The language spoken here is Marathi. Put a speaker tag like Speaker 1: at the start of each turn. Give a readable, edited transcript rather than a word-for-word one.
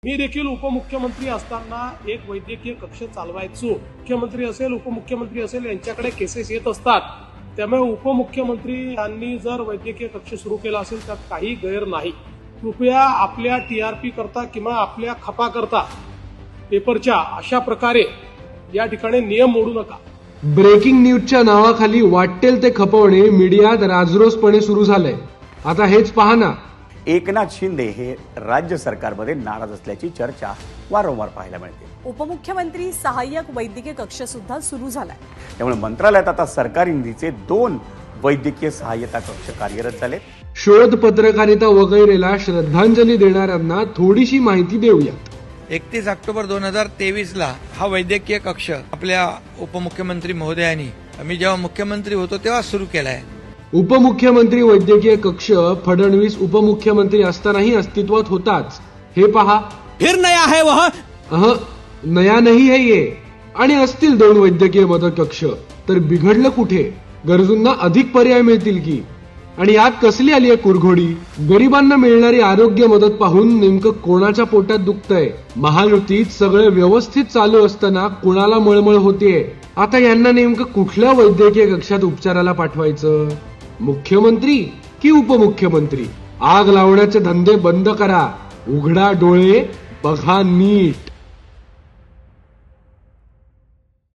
Speaker 1: मी देखील उपमुख्यमंत्री असताना एक वैद्यकीय कक्ष चालवायचो. मुख्यमंत्री असेल, उपमुख्यमंत्री असेल, यांच्याकडे केसेस येत असतात. त्यामुळे उपमुख्यमंत्री यांनी जर वैद्यकीय कक्ष सुरू केला असेल त्यात काही गैर नाही. कृपया आपल्या टीआरपी करता किंवा आपल्या खपा करता पेपरच्या अशा प्रकारे या ठिकाणी नियम मोडू नका.
Speaker 2: ब्रेकिंग न्यूजच्या नावाखाली वाटेल ते खपवणे मीडियात राजरोसपणे सुरू झालंय. आता हेच पहा ना.
Speaker 3: एकनाथ शिंदे हे राज्य सरकारमध्ये नाराज असल्याची चर्चा वारंवार पाहायला मिळते.
Speaker 4: उपमुख्यमंत्री सहाय्यक वैद्यकीय कक्ष सुद्धा सुरू झालाय.
Speaker 3: त्यामुळे मंत्रालयात आता सरकारी निधीचे 2 वैद्यकीय सहाय्यता कक्ष कार्यरत झाले.
Speaker 2: शोध पत्रकारिता वगैरेला श्रद्धांजली देणाऱ्यांना थोडीशी माहिती देऊया.
Speaker 5: 31 ऑक्टोबर 2023 हा वैद्यकीय कक्ष आपल्या उपमुख्यमंत्री महोदयांनी मी जेव्हा मुख्यमंत्री होतो तेव्हा सुरू केलाय.
Speaker 2: उपमुख्यमंत्री वैद्यकीय कक्ष फडणवीस उपमुख्यमंत्री असतानाही अस्तित्वात होताच. हे पहा.
Speaker 6: फिर नया है वह
Speaker 2: नया नाही है ये. आणि असतील 2 वैद्यकीय मदत कक्ष तर बिघडलं कुठे? गरजूंना अधिक पर्याय मिळतील की. आणि यात कसली आली आहे कुरघोडी? गरिबांना मिळणारी आरोग्य मदत पाहून नेमकं कोणाच्या पोटात दुखतंय? महायुतीत सगळं व्यवस्थित चालू असताना कुणाला मळमळ होतीये? आता यांना नेमकं कुठल्या वैद्यकीय कक्षात उपचाराला पाठवायचं? मुख्यमंत्री की उपमुख्यमंत्री? आग लावण्याचे धंदे बंद करा. उघडा डोळे, बघा नीट.